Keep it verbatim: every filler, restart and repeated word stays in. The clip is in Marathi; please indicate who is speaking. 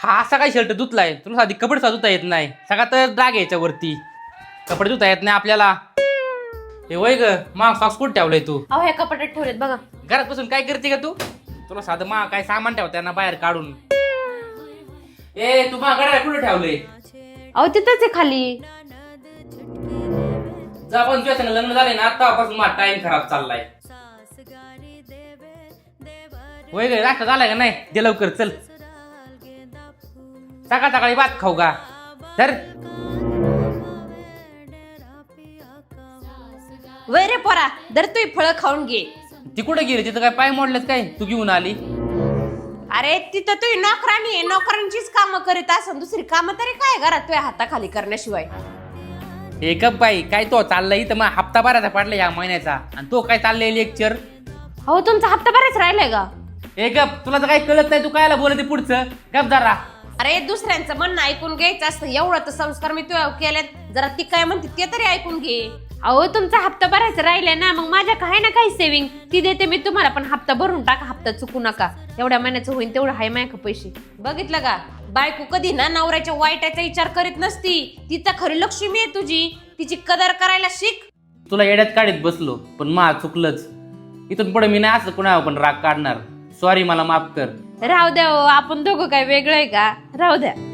Speaker 1: हा असा काय शर्ट धुतलाय? तुला साधी कपडे सुद्धा धुता येत नाही. सगळा तर डाग याच्यावरती. कपडे धुता येत नाही आपल्याला. हे वय ग मा सॉक्स कुठे ठेवलाय तू?
Speaker 2: अहो ह्या कपाटात ठेवलेत बघा.
Speaker 1: घरात बसून काय करते का तू? तुला साधं मा काय सामान ठेवताय ना बाहेर काढून. ए तू मा घड्याळ कुठे ठेवलंय?
Speaker 2: अहो तिथंच आहे खाली.
Speaker 1: जा पण तुझ्या संग लग्न झालंय ना आतापासून माझा टाइम खराब चाललाय. वय ग नाश्ता झालाय का नाही? दे लवकर चल. सकाळ सकाळी भात खाऊ का? तर
Speaker 2: वय रे पोरा दर तू फळं खाऊन घे.
Speaker 1: ती कुठे गेली? तिथं काय पाय मोडलेत काय? तू घेऊन आली?
Speaker 2: अरे तिथं तू नोकरानी आहे, नोकरांचीच कामं करीत असं दुसरी कामं तरी काय घरात तुझ्या हाताखाली करण्याशिवाय.
Speaker 1: हे कप बाई काय तो चाललाय इथं मग हप्ता भरायचा पडला या महिन्याचा आणि तो काय चाललंय लेक्चर?
Speaker 2: अहो तुमचा हप्ता बराच राहिलाय का?
Speaker 1: हे गप तुला तर काही कळत नाही. तू कायला बोलते पुढचं? गप जरा.
Speaker 2: अरे दुसऱ्यांचं म्हणणं ऐकून घ्यायचं असतं. एवढं तर संस्कार मी तुझ्या केलेत. जरा ती काय म्हणते ते तरी ऐकून घे. अहो तुमचा हप्ता भरायचा राहिलाय ना, मग माझ्या काय ना काही सेविंग ती देते मी तुम्हाला. पण हप्ता भरून टाका, हप्ता चुकू नका. एवढ्या महिन्याचं होईल तेवढं हाय माय का पैसे. बघितलं का बायको कधी ना नवऱ्याच्या वाईटाचा विचार करीत नसती. तिचा खरी लक्ष्मी आहे तुझी. तिची कदर करायला शिक.
Speaker 1: तुला येड्यात काढीत बसलो पण मा चुकलंच. इथून पुढे मी नाही असं कुणावर पण राग काढणार. सॉरी मला माफ कर.
Speaker 2: राहू द्या हो, आपण दोघं काय वेगळं आहे का? राहू द्या.